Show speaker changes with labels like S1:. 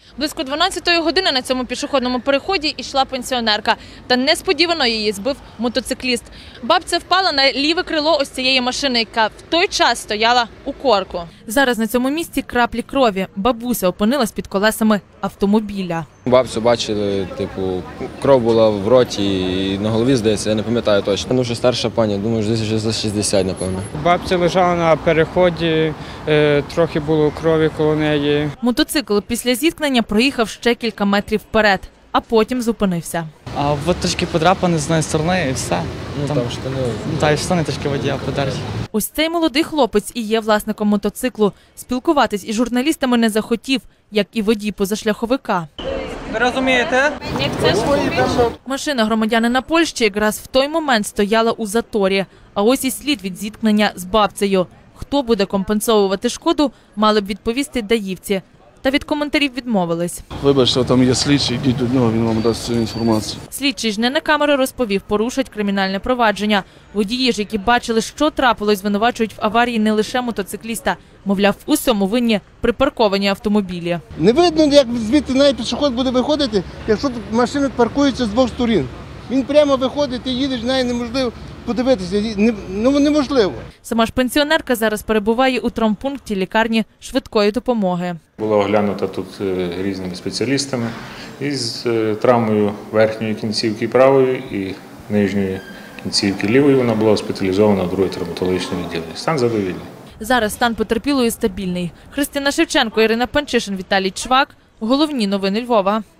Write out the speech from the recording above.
S1: Близько 12-ї години на цьому пішохідному переході йшла пенсіонерка. Та несподівано її збив мотоцикліст. Бабця впала на ліве крило ось цієї машини, яка в той час стояла у корку. Зараз на цьому місці краплі крові. Бабуся опинилась під колесами автомобіля.
S2: Бабцю бачили, кров була в роті і на голові, здається, я не пам'ятаю точно. Дуже старша пані, думаю, десь вже за 60, напевно.
S3: Бабця лежала на переході, трохи було крові коло неї.
S1: Мотоцикл після зіткнення проїхав ще кілька метрів вперед, а потім зупинився.
S4: А от трішки подрапані з однієї сторони і все.
S2: Там штани.
S4: Так, і штани трішки водія подерті.
S1: Ось цей молодий хлопець і є власником мотоциклу. Спілкуватись із журналістами не захотів, як і водій позашляховика.
S4: Ви розумієте?
S1: Машина громадянина Польщі якраз в той момент стояла у заторі. А ось і слід від зіткнення з бабцею. Хто буде компенсовувати шкоду, мали б відповісти даївці. Та від коментарів відмовились.
S5: Вибачте, там є слідчий, йдіть до нього, він вам дасть цю інформацію.
S1: Слідчий ж не на камеру розповів, порушать кримінальне провадження. Водії ж, які бачили, що трапилось, звинувачують в аварії не лише мотоцикліста. Мовляв, у всьому винні припарковані автомобілі.
S6: Не видно, як звідти навіть пішохід буде виходити, якщо машини паркуються з двох сторін. Він прямо виходить, ти їдеш, навіть неможливо подивитися, неможливо.
S1: Сама ж пенсіонерка зараз перебуває у травмпункті лікарні швидкої допомоги.
S7: Була оглянута тут різними спеціалістами із травмою верхньої кінцівки правої і нижньої кінцівки лівої. Вона була госпіталізована в друге травматологічне відділення. Стан задовільний.
S1: Зараз стан потерпілої стабільний. Христина Шевченко, Ірина Панчишин, Віталій Чвак. Головні новини Львова.